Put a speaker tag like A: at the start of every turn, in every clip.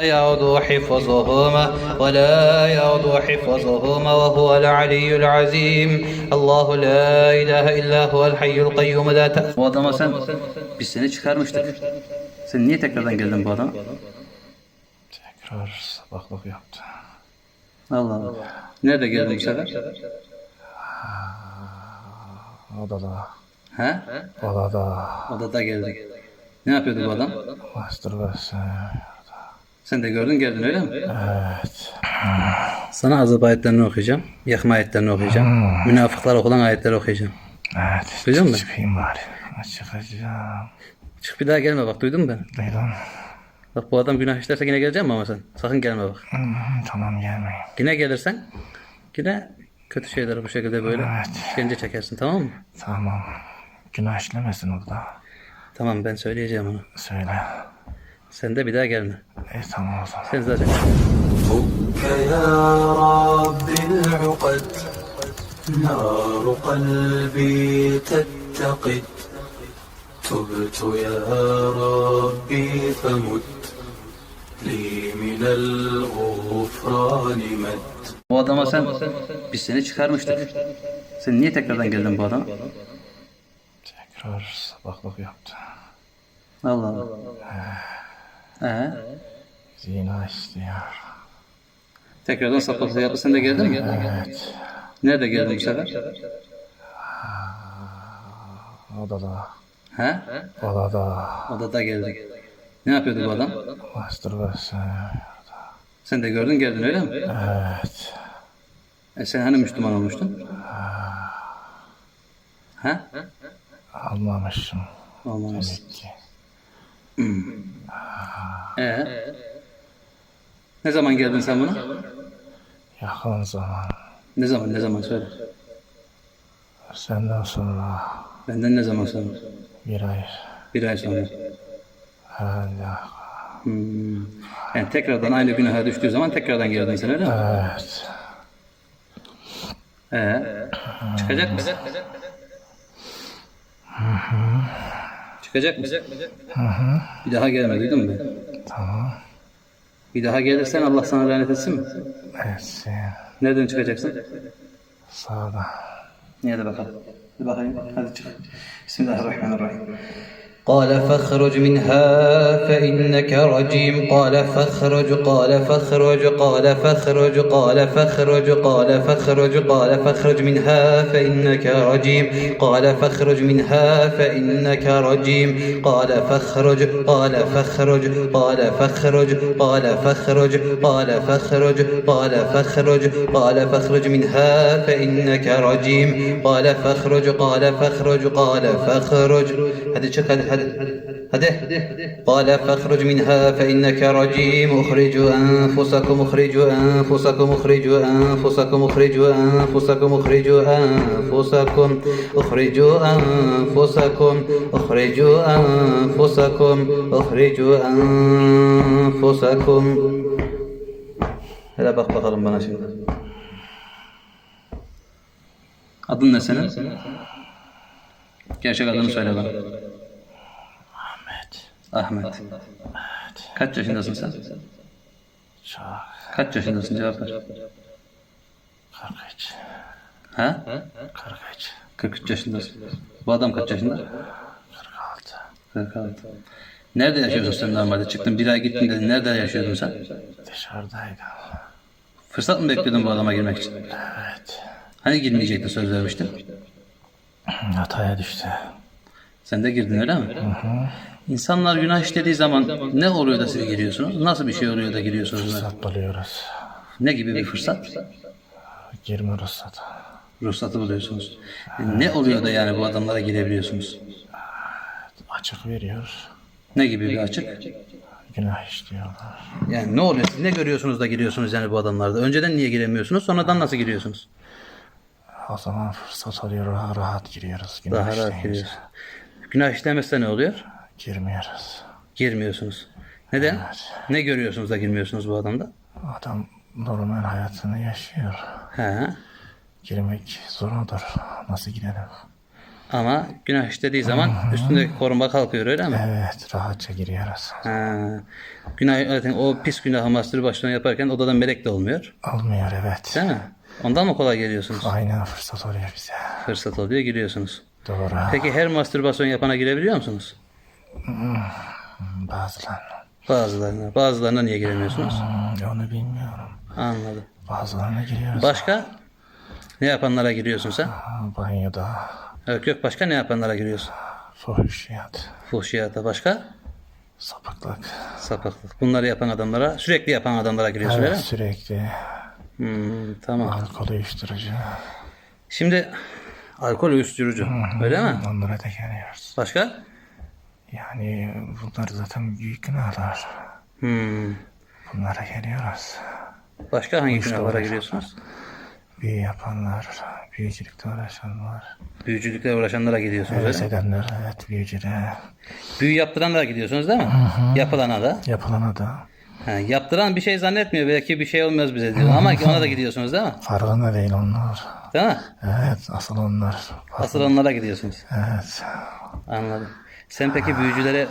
A: يعود حفظهما ولا يعود حفظهما وهو العلي العظيم الله لا إله إلا هو الحي القيوم لا تأخذه. Bu adama biz seni çıkarmıştık. Sen niye tekrardan geldin bu adama?
B: Tekrar sabahlık yaptı.
A: Allah Allah. Nerede geldin bu sefer?
B: Odada.
A: He?
B: Odada.
A: Odada geldik. Ne yapıyordu bu adam?
B: Mastürbasyon.
A: Sen de gördün geldin öyle mi?
B: Evet.
A: Sana azap ayetlerini okuyacağım. Yakma ayetlerini okuyacağım. Münafıklar okulan ayetleri okuyacağım.
B: Evet.
A: Duydun mu?
B: Çıkayım bari. Çıkacağım.
A: Çık bir daha gelme bak, duydun mu beni?
B: Duydum.
A: Bak bu adam günah işlerse yine geleceğim mi ama sen? Sakın gelme bak.
B: Tamam gelmeyin.
A: Yine gelirsen yine kötü şeyleri bu şekilde böyle işkence çekersin, tamam mı?
B: Tamam. Günah işlemesin orada.
A: Tamam, ben söyleyeceğim onu.
B: Söyle.
A: Sen de bir daha gelme.
B: Tamam o zaman.
A: Sen zaten
C: فك يا رب العقد نار قلبي تتقد تبت يا ربي فمد لي من الغفران مد.
A: bu adama biz seni çıkarmıştık. Sen niye tekrardan geldin bu adama?
B: Tekrar sabahlık yaptı.
A: Allah Allah.
B: Zina istiyor.
A: Tekrardan sapıklık yaptı, sen de geldin mi?
B: Evet.
A: Nerede geldin bu sefer?
B: Odada.
A: He?
B: Odada.
A: Odada geldik. Ne yapıyordu bu adam?
B: Mastürbasyon.
A: Sen de gördün geldin öyle mi?
B: Evet.
A: Sen hani Müslüman olmuştun? He?
B: Almamışım.
A: Olmamış.
B: Demek ki.
A: Ne zaman geldin sen buna?
B: Yakın zaman.
A: Ne zaman söyle.
B: Senden sonra
A: Benden ne zaman sonra?
B: bir ay.
A: Bir ay sonra.
B: Herhalde.
A: Yani tekrardan aynı günaha düştüğü zaman tekrardan geldin sen öyle mi?
B: Evet.
A: Çıkacak mısın? Çıkacak mısın? Bir daha gelme, duydun mu beni?
B: Tamam.
A: Bir daha gelirsen Allah sana lanet etsin mi?
B: Etsin.
A: Nereden çıkacaksın?
B: Sağda.
A: Niye de bakalım. Hadi bakayım. Hadi çık. Bismillahirrahmanirrahim. قال فاخرج منها فإنك رجيم قال فاخرج قال فاخرج قال فاخرج قال فاخرج قال فاخرج قال فاخرج منها فإنك رجيم قال فاخرج منها فإنك رجيم قال فاخرج قال فاخرج قال فاخرج قال فاخرج قال فاخرج قال فاخرج قال فاخرج منها فإنك رجيم قال فاخرج قال فاخرج قال فاخرج هذه شكل هذا قال فاخرج منها فإنك رجيم اخرجوا أنفسكم اخرجوا أنفسكم اخرجوا أنفسكم اخرجوا أنفسكم اخرجوا أنفسكم اخرجوا أنفسكم اخرجوا أنفسكم اخرجوا أنفسكم. Hele bak bakalım bana şimdi. Adın ne senin? Gerçek adını söyle bana. Ahmet. Kaç yaşındasın sen?
B: Çok.
A: Kaç yaşındasın, cevap ver.
B: 43.
A: Ha?
B: 43.
A: 43 yaşındasın. Bu adam kaç yaşında?
B: 46.
A: 46. Nerede yaşıyorsun sen normalde? Çıktın bir ay gittin dedin. Nerede yaşıyordun sen?
B: Dışarıdaydım.
A: Fırsat mı bekliyordun bu adama girmek için?
B: Evet.
A: Hani girmeyecekti, söz vermiştin?
B: Hataya düştü.
A: Sen de girdin öyle mi? İnsanlar günah işlediği zaman ne oluyor da siz giriyorsunuz? Nasıl bir şey oluyor da giriyorsunuz?
B: Fırsat buluyoruz.
A: Ne gibi bir fırsat?
B: Girme ruhsatı.
A: Ruhsatı buluyorsunuz. Ne oluyor da yani bu adamlara girebiliyorsunuz?
B: Açık veriyor.
A: Ne gibi bir açık?
B: Günah işliyorlar.
A: Yani ne oluyor? Siz ne görüyorsunuz da giriyorsunuz yani bu adamlarda? Önceden niye giremiyorsunuz? Sonradan nasıl giriyorsunuz?
B: O zaman fırsat oluyor. Rahat, rahat giriyoruz. Günah
A: Daha rahat
B: işleyince.
A: giriyorsunuz. Günah işlemezse ne oluyor?
B: Girmiyoruz.
A: Girmiyorsunuz. Neden?
B: Evet.
A: Ne görüyorsunuz da girmiyorsunuz bu adamda?
B: Adam normal hayatını yaşıyor.
A: He.
B: Girmek zor olur. Nasıl girelim?
A: Ama günah işlediği zaman üstündeki koruma kalkıyor, öyle mi?
B: Evet, rahatça giriyoruz.
A: Ha. Günah, zaten o pis günahı mastürbasyon yaparken odadan melek de olmuyor.
B: Olmuyor, evet.
A: Değil mi? Ondan mı kolay geliyorsunuz?
B: Aynen, fırsat oluyor bize.
A: Fırsat oluyor, giriyorsunuz.
B: Doğru.
A: Peki her mastürbasyon yapana girebiliyor musunuz?
B: Bazılarına.
A: Bazılarına niye giremiyorsunuz?
B: Onu bilmiyorum.
A: Anladım.
B: Bazılarına giriyoruz.
A: Başka? Ne yapanlara giriyorsun sen?
B: Banyoda.
A: Evet, yok, başka ne yapanlara giriyorsun?
B: Fuhuşiyat.
A: Fuhşiyata başka?
B: Sapıklık.
A: Sapıklık. Bunları yapan adamlara, sürekli yapan adamlara giriyorsun, öyle
B: Evet,
A: mi?
B: sürekli.
A: Tamam.
B: Alkol, uyuşturucu.
A: Şimdi alkol uyuşturucu, öyle mi?
B: Onlara da geliyoruz.
A: Başka?
B: Yani bunlar zaten büyük günahlar. Bunlara geliyoruz.
A: Başka hangi günahlara giriyorsunuz?
B: Büyü yapanlar, büyücülükle uğraşanlar.
A: Büyücülükle uğraşanlara gidiyorsunuz, öyle
B: Evet
A: mi?
B: edenler, evet büyücülere.
A: Büyü yaptıranlara gidiyorsunuz, değil mi? Yapılana da.
B: Yapılana da.
A: Ha, yaptıran bir şey zannetmiyor. Belki bir şey olmaz bize diyor. Ama ona da gidiyorsunuz, değil mi?
B: Farkında değil onlar.
A: Değil mi?
B: Evet, asıl onlar.
A: Asıl onlara gidiyorsunuz.
B: Evet.
A: Anladım. Sen peki büyücülere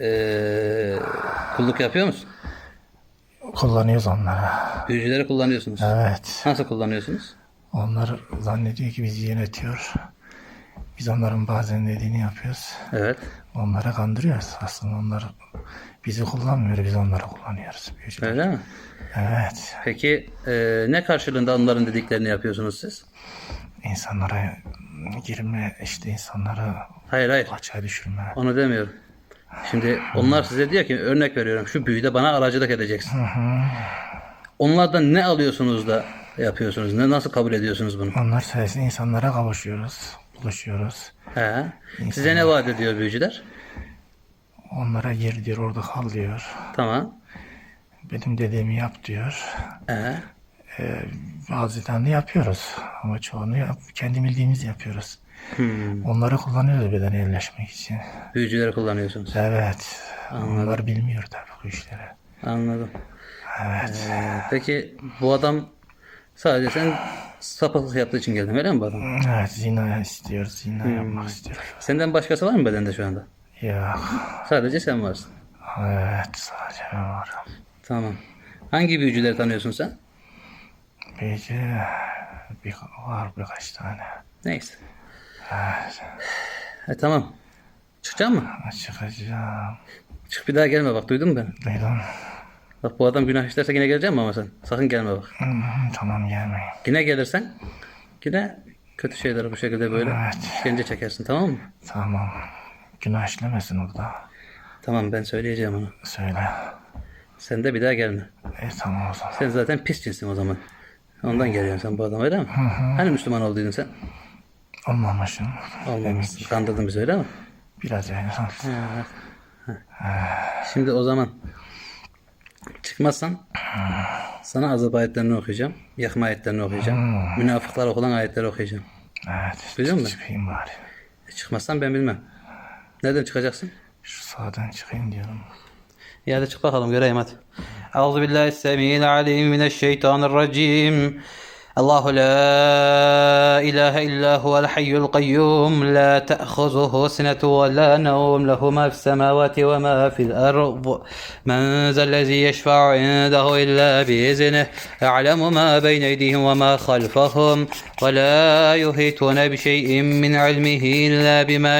A: kulluk yapıyor musun?
B: Kullanıyoruz onları.
A: Büyücüleri kullanıyorsunuz.
B: Evet.
A: Nasıl kullanıyorsunuz?
B: Onlar zannediyor ki bizi yönetiyor. Biz onların bazen dediğini yapıyoruz.
A: Evet.
B: Onlara kandırıyoruz. Aslında onlar bizi kullanmıyor, biz onları kullanıyoruz. Büyücüler.
A: Öyle mi?
B: Evet.
A: Peki ne karşılığında onların dediklerini yapıyorsunuz siz?
B: İnsanlara girme, işte insanları
A: Hayır.
B: açığa düşürme.
A: Onu demiyorum. Şimdi onlar size diyor ki, örnek veriyorum, şu büyüde bana aracılık edeceksin. Onlardan ne alıyorsunuz da yapıyorsunuz? Nasıl kabul ediyorsunuz bunu?
B: Onlar sayesinde insanlara kavuşuyoruz, buluşuyoruz.
A: He. Size ne vaat ediyor büyücüler?
B: Onlara gir diyor, orada kal diyor.
A: Tamam.
B: Benim dediğimi yap diyor.
A: He.
B: Bazılarını yapıyoruz ama çoğunu kendi bildiğimizi yapıyoruz. Onları kullanıyoruz bedene yerleşmek için.
A: Büyücüleri kullanıyorsunuz.
B: Evet. Onlar bilmiyor tabii bu işleri.
A: Anladım.
B: Evet.
A: Peki bu adam sadece sen sapıklık yaptığı için geldin, öyle mi bu adam?
B: Evet, zina istiyor, zina yapmak istiyor.
A: Senden başkası var mı bedende şu anda?
B: Yok.
A: Sadece sen varsın.
B: Evet, sadece ben varım.
A: Tamam. Hangi büyücüleri tanıyorsun sen?
B: Peki, var birkaç tane.
A: Neyse.
B: Evet,
A: Tamam. Çıkacak mı?
B: çıkacağım.
A: Çık, bir daha gelme bak, duydun mu beni?
B: Duydum.
A: Bak, bu adam günah işlerse yine geleceğim mi ama sen? Sakın gelme bak.
B: Tamam, gelmeyin.
A: Yine gelirsen yine kötü şeyleri bu şekilde böyle
B: Evet.
A: işkence çekersin, tamam mı?
B: Tamam. Günah işlemesin orada.
A: Tamam, ben söyleyeceğim onu.
B: Söyle.
A: Sen de bir daha gelme.
B: Tamam o zaman.
A: Sen zaten pis cinsin o zaman. Ondan geliyorsun sen bu adama, öyle mi? Hani Müslüman olduydun sen?
B: Olmamışım.
A: Olmamışsın. Kandırdın bizi, öyle mi?
B: Biraz yani.
A: Şimdi o zaman çıkmazsan sana azap ayetlerini okuyacağım. Yakma ayetlerini okuyacağım. Münafıklar okulan ayetleri okuyacağım.
B: Evet.
A: Biliyor musun?
B: Çıkayım bari.
A: Çıkmazsan ben bilmem. Nereden çıkacaksın?
B: Şu sağdan çıkayım diyorum.
A: Ya hadi çık bakalım, göreyim hadi. Euzubillahissemi'l-alim mineşşeytanirracim. الله لا إله إلا هو الحي القيوم لا تأخذه سنة ولا نوم له ما في السماوات وما في الأرض من ذا الذي يشفع عنده إلا بإذنه يعلم ما بين أيديهم وما خلفهم ولا يحيطون بشيء من علمه إلا بما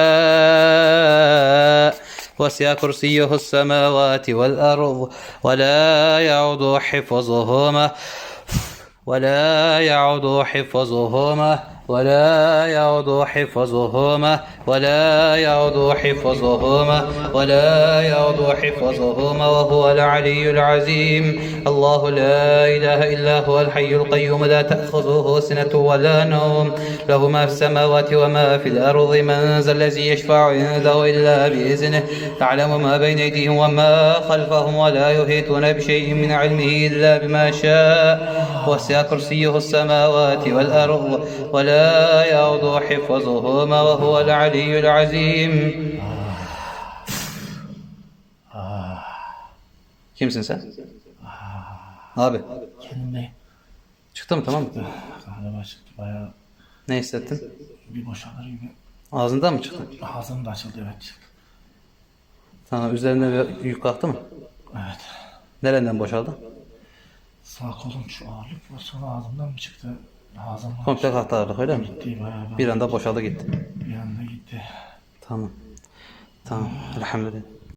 A: شاء وسع كرسيه السماوات والأرض ولا يعود حفظهما ولا يعود حفظهما ولا يعود حفظهما ولا يعود حفظهما ولا يعود حفظهما وهو العلي العظيم الله لا إله إلا هو الحي القيوم لا تأخذه سنة ولا نوم له ما في السماوات وما في الأرض من ذا الذي يشفع عنده إلا بإذنه يعلم ما بين أيديهم وما خلفهم ولا يحيطون بشيء من علمه إلا بما شاء وسع كرسيه السماوات والأرض ولا يعود حفظهما وهو العلي العظيم. Kimsin sen? Abi.
B: Kendime
A: Çıktı mı, tamam mı?
B: galiba çıktı bayağı
A: Ne hissettin?
B: bir boşalır gibi.
A: Ağzından mı çıktı?
B: Ağzım da açıldı, evet.
A: Sana üzerine bir yük kalktı mı?
B: Evet.
A: Nereden boşaldı?
B: Sağ kolum şu ağırlık var, sonra ağzımdan mı çıktı? Ağzımdan
A: Komple kalktı ağırlık öyle mi?
B: gitti bayağı.
A: Bir anda boşaldı gitti.
B: Bir anda gitti.
A: Tamam. Tamam. Elhamdülillah.